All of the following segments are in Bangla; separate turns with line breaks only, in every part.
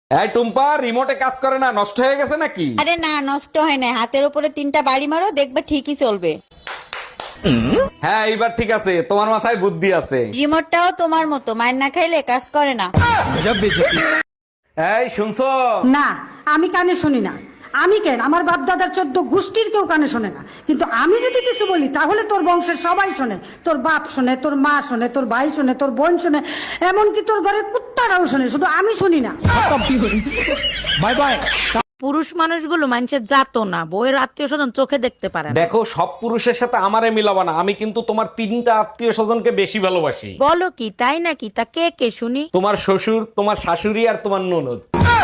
এই টুম্পা, রিমোটে কাজ করে না, নষ্ট হয়ে গেছে নাকি?
আরে না, নষ্ট হয় না। হাতের উপরে 3টা বাড়ি মারো, দেখবে ঠিকই চলবে।
হ্যাঁ এইবার ঠিক আছে, তোমার মাথায় বুদ্ধি আছে।
রিমোটটাও তোমার মতো, মায়ের না খাইলে কাজ করে না।
এই শুনছো?
না, আমি কানে শুনি না। আমি কেন, আমার বাপ দাদার 14 গোষ্ঠীর কেউ কানে শোনে না, কিন্তু আমি যদি কিছু বলি তাহলে তোর বংশের সবাই শোনে। তোর বাপ শোনে, তোর মা শোনে, তোর ভাই শোনে, তোর বোন শোনে, এমনকি তোর ঘরের কুত্তারাও শোনে, শুধু আমি শুনি না।
Bye bye.
পুরুষ মানুষগুলো মানুষের জাতো না, বউয়ের আত্মীয় স্বজন চোখে দেখতে পারে না।
দেখো, সব পুরুষের সাথে আমারে মিলাবা না। আমি কিন্তু তোমার 3টা আত্মীয় স্বজনকে বেশি ভালোবাসি।
বলো কি, তাই নাকি? তা কে কে শুনি।
তোমার শ্বশুর, তোমার শাশুড়ি আর তোমার ননদ।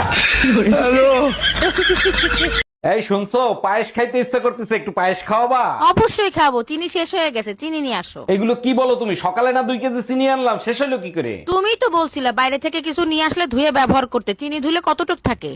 এই শুনছো, পায়েস খাইতে ইচ্ছা করতেছে, একটু পায়েস খাওয়াবা?
অবশ্যই খাবো, চিনি শেষ হয়ে গেছে, চিনি নিয়ে আসো।
এগুলো কি বলো তুমি? সকালে না 2 কেজি চিনি আনলাম, শেষ হলো কি করে?
তুমিই তো বলছিলে বাইরে থেকে কিছু নিয়ে আসলে ধুয়ে ব্যবহার করতে। চিনি ধুলে কতটুক থাকে?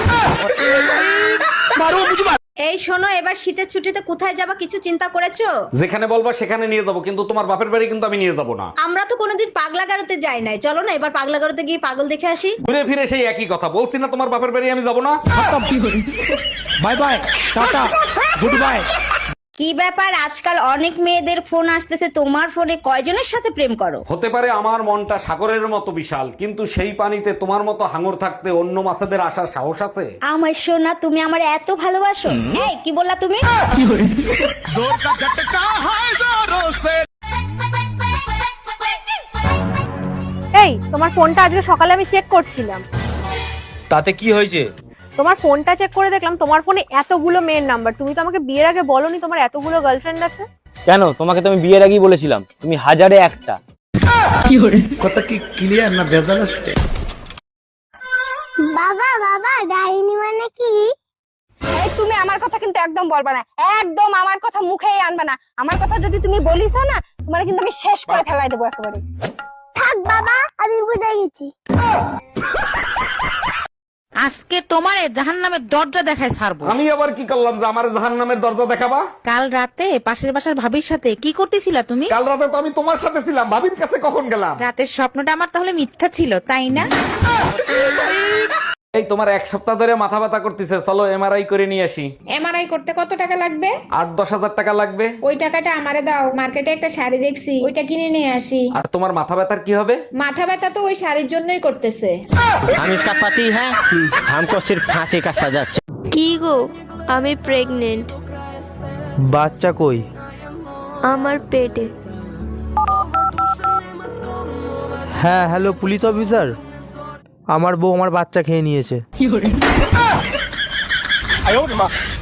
এই শোনো, এবার শীতের ছুটিতে কোথায় যাবা কিছু চিন্তা করেছো?
যেখানে বলবা সেখানে নিয়ে যাবো, কিন্তু তোমার বাপের বাড়ি কিন্তু আমি নিয়ে যাবো না।
আমরা তো কোনোদিন পাগলা গারোতে যাই নাই, চলো না এবার পাগলা গারোতে গিয়ে পাগল দেখে আসি।
ঘুরে ফিরে সেই একই কথা বলছি না, তোমার বাপের বাড়ি আমি যাবো না।
Bye bye, tata, goodbye.
কি ব্যাপার, আজকাল অনেক মেয়েদের ফোন আসতেছে, তোমার ফোনে কয়জনের সাথে প্রেম করো?
হতে পারে আমার মনটা সাগরের মতো বিশাল, কিন্তু সেই পানিতে তোমার মতো হাঙর থাকতে অন্য মাছেদের আসার সাহস আছে?
আমার সোনা, তুমি আমার এত ভালোবাসো? এই কি বললা তুমি?
এই তোমার ফোনটা আজকে সকালে আমি চেক করছিলাম।
তাতে কি হয়েছে?
তোমার ফোনটা চেক করে দেখলাম তোমার ফোনে এতগুলো মেয়ের নাম্বার। তুমি তো আমাকে বিয়ের আগে বলোনি তোমার এতগুলো গার্লফ্রেন্ড আছে।
কেন, তোমাকে তো আমি বিয়ের আগেই বলেছিলাম তুমি হাজারে একটা।
কথা কি ক্লিয়ার না ভেজাল আছে?
বাবা বাবা, ডাইনি মানে কি?
এই তুমি আমার কথা কিন্তু একদম বলবা না, একদম আমার কথা মুখেই আনবা না। আমার কথা যদি তুমি বলিস না, তোমার কিন্তু আমি শেষ করে ফেলাই দেবো একেবারে।
থাক বাবা, আমি বুঝে গেছি।
আজকে তোমার জাহান্নামের দরজা দেখায় ছাড়বো।
আমি আবার কি করলাম যে আমার জাহান্নামের দরজা দেখাবা?
কাল রাতে পাশের বাসার ভাবির সাথে কি করতেছিলা তুমি?
কাল রাতে তো আমি তোমার সাথে ছিলাম, ভাবির কাছে কখন গেলাম?
রাতের স্বপ্নটা আমার তাহলে মিথ্যা ছিল, তাই না?
এই তোমার 1 সপ্তাহ ধরে মাথা ব্যথা করতেছে, চলো এমআরআই করে নিয়ে আসি।
এমআরআই করতে কত টাকা লাগবে?
8-10 হাজার টাকা লাগবে।
ওই টাকাটা আমারে দাও, মার্কেটে একটা শাড়ি দেখছি, ওইটা কিনে নিয়ে আসি।
আর তোমার মাথা ব্যথার কি হবে?
মাথা ব্যথা তো ওই শাড়ির জন্যই করতেছে।
हम इसका पति है, हमको सिर्फ फांसी का सजा।
কি গো, আমি প্রেগনেন্ট।
বাচ্চা কই?
আমার পেটে।
হ্যাঁ হ্যালো পুলিশ অফিসার, আমার বউ আমার বাচ্চা খেয়ে নিয়েছে।